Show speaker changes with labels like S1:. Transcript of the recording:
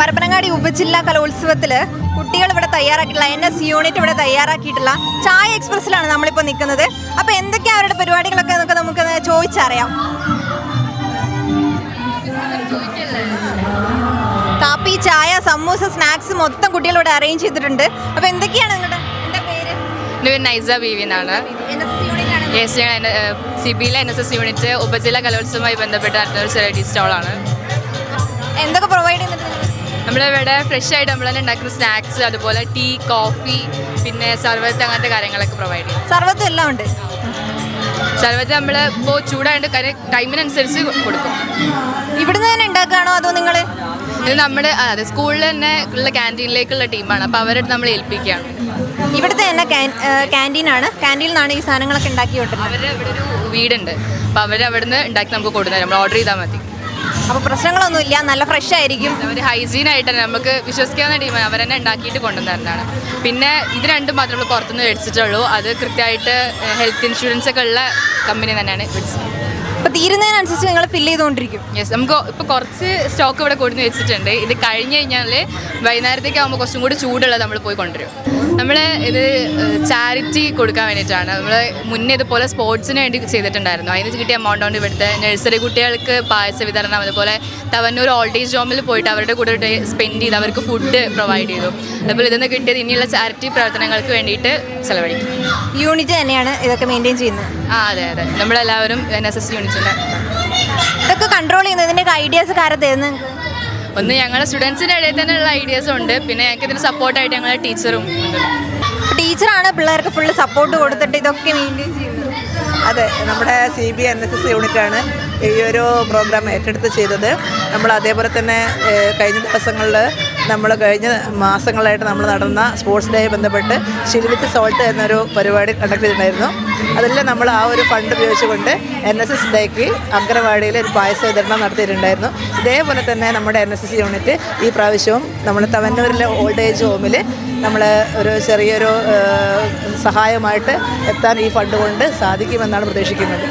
S1: പരപ്പനങ്ങാടി ഉപജില്ലാ കലോത്സവത്തിൽ കുട്ടികൾ ഇവിടെ തയ്യാറാക്കിയിട്ടുള്ള NS യൂണിറ്റ് ഇവിടെ തയ്യാറാക്കിയിട്ടുള്ള ചായ എക്സ്പ്രസ്സിലാണ് നമ്മളിപ്പോൾ നിൽക്കുന്നത്. അപ്പോൾ എന്തൊക്കെയാണ് അവരുടെ പരിപാടികളൊക്കെ എന്നൊക്കെ നമുക്ക് ചോദിച്ചറിയാം. കാപ്പി, ചായ, സമൂസ, സ്നാക്സ് മൊത്തം കുട്ടികളിവിടെ അറേഞ്ച് ചെയ്തിട്ടുണ്ട്. അപ്പോൾ എന്തൊക്കെയാണ് നിങ്ങളുടെ പേര്?
S2: എൻ്റെ പേര് നൈസ ബീവി എന്നാണ്. സിബിയിലെ NSS യൂണിറ്റ് ഉപജില്ലാ കലോത്സവവുമായി ബന്ധപ്പെട്ട് നടത്തുന്ന ഒരു ചെറിയ സ്റ്റോളാണ്.
S1: എന്തൊക്കെ പ്രൊവൈഡ് ചെയ്യുന്നുണ്ട്?
S2: നമ്മളിവിടെ ഫ്രഷ് ആയിട്ട് നമ്മൾ തന്നെ ഉണ്ടാക്കുന്ന സ്നാക്സ്, അതുപോലെ ടീ, കോഫി, പിന്നെ സർവത്ത്, അങ്ങനത്തെ കാര്യങ്ങളൊക്കെ പ്രൊവൈഡ് ചെയ്യും.
S1: സർവത്തും എല്ലാം ഉണ്ട്.
S2: സർവത്ത് നമ്മൾ ഇപ്പോൾ ചൂടായിട്ട് ടൈമിനനുസരിച്ച് കൊടുക്കും.
S1: ഇവിടുന്ന് തന്നെ ഉണ്ടാക്കുകയാണോ അതോ നിങ്ങൾ?
S2: ഇത് നമ്മുടെ അതെ സ്കൂളിൽ തന്നെ ഉള്ള ക്യാൻറ്റീനിലേക്കുള്ള ടീമാണ്. അപ്പോൾ അവരെ നമ്മൾ ഏൽപ്പിക്കുകയാണ്.
S1: ഇവിടുത്തെ തന്നെ ക്യാൻറ്റീനാണ്. ക്യാൻറ്റീനിൽ നിന്നാണ് ഈ സാധനങ്ങളൊക്കെ ഉണ്ടാക്കി കൊണ്ടുവരുന്നത്.
S2: അവർ ഇവിടെ ഒരു വീടുണ്ട്. അപ്പോൾ അവർ അവിടെ നിന്ന് ഉണ്ടാക്കി നമുക്ക് കൊടുക്കുന്നത്. നമ്മൾ ഓർഡർ ചെയ്താൽ മതി.
S1: അപ്പോൾ പ്രശ്നങ്ങളൊന്നുമില്ല, നല്ല ഫ്രഷ് ആയിരിക്കും.
S2: അവർ ഹൈജീനായിട്ട് തന്നെ നമുക്ക് വിശ്വസിക്കാവുന്ന ടീമാണ്. അവർ തന്നെ ഉണ്ടാക്കിയിട്ട് കൊണ്ടുവരുന്നതാണ്. പിന്നെ ഇത് രണ്ടും മാത്രമേ നമ്മൾ പുറത്തുനിന്ന് മേടിച്ചിട്ടുള്ളൂ. അത് കൃത്യമായിട്ട് ഹെൽത്ത് ഇൻഷുറൻസ് ഒക്കെ ഉള്ള കമ്പനി തന്നെയാണ് മേടിച്ചത്.
S1: അപ്പോൾ തീരുന്നതിനനുസരിച്ച് നിങ്ങൾ ഫില്ല് ചെയ്തുകൊണ്ടിരിക്കും.
S2: യെസ്, നമുക്ക് ഇപ്പോൾ കുറച്ച് സ്റ്റോക്ക് ഇവിടെ കൊടുന്ന് വെച്ചിട്ടുണ്ട്. ഇത് കഴിഞ്ഞ് കഴിഞ്ഞാൽ വൈകുന്നേരത്തേക്ക് ആകുമ്പോൾ കുറച്ചും കൂടി ചൂടുള്ളത് നമ്മൾ പോയി കൊണ്ടുവരും. നമ്മൾ ഇത് ചാരിറ്റി കൊടുക്കാൻ വേണ്ടിയിട്ടാണ്. നമ്മൾ മുന്നേ ഇതുപോലെ സ്പോർട്സിന് വേണ്ടി ചെയ്തിട്ടുണ്ടായിരുന്നു. അതിന് കിട്ടിയ എമൗണ്ട് കൊണ്ട് ഇവിടുത്തെ നഴ്സറി കുട്ടികൾക്ക് പായസ വിതരണം, അതുപോലെ തവന്നൂർ ഓൾഡ് ഏജ് ഹോമിൽ പോയിട്ട് അവരുടെ കൂടെ സ്പെൻഡ് ചെയ്ത് അവർക്ക് ഫുഡ് പ്രൊവൈഡ് ചെയ്തു. അതുപോലെ ഇതൊന്ന് കിട്ടിയത് ഇനിയുള്ള ചാരിറ്റി പ്രവർത്തനങ്ങൾക്ക് വേണ്ടിയിട്ട് ചിലവഴിക്കും.
S1: യൂണിറ്റ് തന്നെയാണ് ഇതൊക്കെ മെയിൻറ്റെയിൻ ചെയ്യുന്നത്.
S2: അതെ അതെ, നമ്മളെല്ലാവരും NSS യൂണിറ്റിൻ്റെ
S1: ഇതൊക്കെ കൺട്രോൾ ചെയ്യുന്നത് ഇതിൻ്റെയൊക്കെ ഐഡിയാസ് കാര്യം തരുന്നത്?
S2: ഒന്ന് ഞങ്ങളുടെ സ്റ്റുഡൻസിൻ്റെ ഇടയിൽ തന്നെയുള്ള ഐഡിയാസും ഉണ്ട്. പിന്നെ ഞങ്ങൾക്ക് ഇതിന് സപ്പോർട്ടായിട്ട് ഞങ്ങളുടെ ടീച്ചറും ഉണ്ട്.
S1: ടീച്ചറാണ് പിള്ളേർക്ക് ഫുള്ള് സപ്പോർട്ട് കൊടുത്തിട്ട് ഇതൊക്കെ മെയിൻറ്റെയിൻ ചെയ്യുന്നത്.
S3: അതെ, നമ്മുടെ CB NSS യൂണിറ്റാണ് ഈ ഒരു പ്രോഗ്രാം ഏറ്റെടുത്ത് ചെയ്തത്. നമ്മൾ അതേപോലെ തന്നെ കഴിഞ്ഞ ദിവസങ്ങളിൽ കഴിഞ്ഞ മാസങ്ങളായിട്ട് നമ്മൾ നടന്ന സ്പോർട്സ് ഡേയെ ബന്ധപ്പെട്ട് ചിൽ വിത്ത് സോൾട്ട് എന്നൊരു പരിപാടി കണ്ടക്ട് ചെയ്തിട്ടുണ്ടായിരുന്നു. അതെല്ലാം നമ്മൾ ആ ഒരു ഫണ്ട് ഉപയോഗിച്ചുകൊണ്ട് NSS ഡേക്ക് അങ്കണവാടിയിൽ ഒരു പായസ വിതരണം നടത്തിയിട്ടുണ്ടായിരുന്നു. ഇതേപോലെ തന്നെ നമ്മുടെ NSS യൂണിറ്റ് ഈ പ്രാവശ്യവും നമ്മൾ തവന്നൂരിലെ ഓൾഡ് ഏജ് ഹോമിൽ നമ്മൾ ഒരു ചെറിയൊരു സഹായമായിട്ട് എത്താൻ ഈ ഫണ്ട് കൊണ്ട് സാധിക്കുമെന്നാണ് പ്രതീക്ഷിക്കുന്നത്.